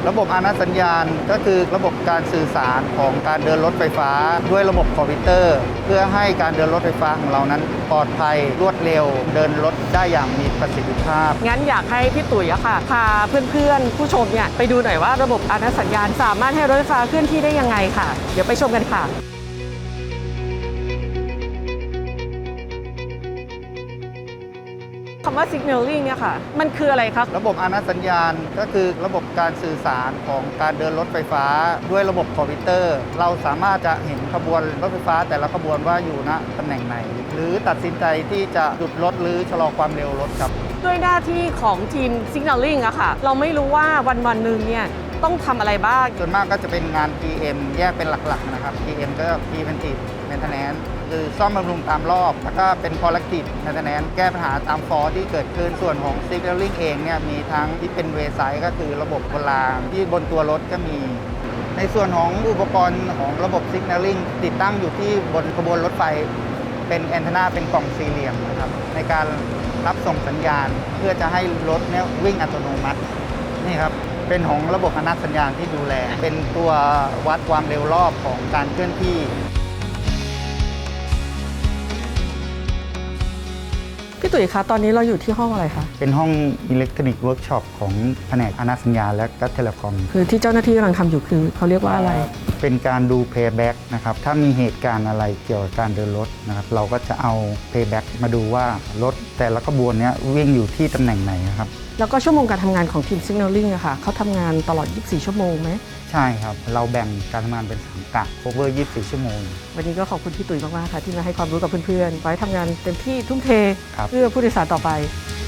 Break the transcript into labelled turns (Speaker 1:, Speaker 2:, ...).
Speaker 1: ระบบอาณาสัญญาณก็คือระบบการสื่อสารของการเดินรถไฟฟ้าด้วยระบบคอมพิวเตอร์เพื่อให้การเดินรถไฟฟ้าของเรานั้นปลอดภัยรวดเร็วเดินรถได้อย่างมีประสิทธิภาพ
Speaker 2: งั้นอยากให้พี่ตุ๋ยอะค่ะพาเพื่อนๆผู้ชมเนี่ยไปดูหน่อยว่าระบบอาณาสัญญาณสามารถให้รถไฟฟ้าเคลื่อนที่ได้ยังไงค่ะเดี๋ยวไปชมกันค่ะคำว่า signaling เนี่ยค่ะมันคืออะไรครับ
Speaker 1: ระบบอาณาสัญญาณก็คือระบบการสื่อสารของการเดินรถไฟฟ้าด้วยระบบคอมพิวเตอร์เราสามารถจะเห็นขบวนรถไฟฟ้าแต่ละขบวนว่าอยู่ณตำแหน่งไหนหรือตัดสินใจที่จะหยุดรถหรือชะลอความเร็วรถครับ
Speaker 2: ด้วยหน้าที่ของทีม signaling อะค่ะเราไม่รู้ว่าวันหนึ่งเนี่ยต้องทำอะไรบ้าง
Speaker 1: ส่วนมากก็จะเป็นงาน PM แยกเป็นหลักๆนะครับ PM ก็ Preventive Maintenance คือซ่อมบำรุงตามรอบแล้วก็เป็น Corrective Maintenance แก้ปัญหาตามฟอร์ที่เกิดขึ้นส่วนของ Signaling เองเนี่ยมีทั้งที่เป็นเวไซด์ก็คือระบบบนรางที่บนตัวรถก็มีในส่วนของอุปกรณ์ของระบบ Signaling ติดตั้งอยู่ที่บนขบวนรถไฟเป็นแอนเทนาเป็นกล่องสี่เหลี่ยมนะครับในการรับส่งสัญญาณเพื่อจะให้รถเนี่ยวิ่งอัตโนมัตินี่ครับเป็นของระบบอาณาสัญญาณที่ดูแลเป็นตัววัดความเร็วรอบของการเคลื่อนที่
Speaker 2: พี่ตุ๋ยคะตอนนี้เราอยู่ที่ห้องอะไรคะ
Speaker 1: เป็นห้องอิเล็กทรอนิกส์เวิร์กช็อปของแผนกอาณาสัญญาณและก็เทเลคอม
Speaker 2: คือที่เจ้าหน้าที่กำลังทำอยู่คือเขาเรียกว่าอะไร
Speaker 1: เป็นการดูเพย์แบ็กนะครับถ้ามีเหตุการณ์อะไรเกี่ยวกับการเดินรถนะครับเราก็จะเอาเพย์แบ็กมาดูว่ารถแต่ละขบวนนี้วิ่งอยู่ที่ตำแหน่งไหนครับ
Speaker 2: แล้วก็ชั่วโมงการทำงานของทีม Signaling อะค่ะเขาทำงานตลอด 24 ชั่วโมงไหม
Speaker 1: ใช่ครับเราแบ่งการทำงานเป็น3กะ cover 24 ชั่วโมง
Speaker 2: วันนี้ก็ขอบคุณพี่ตุ๋ยมากๆค่ะที่มาให้ความรู้กับเพื่อนๆไว้ทำงานเต็มที่ทุ่มเทเพื่อผู้โดยสารต่อไป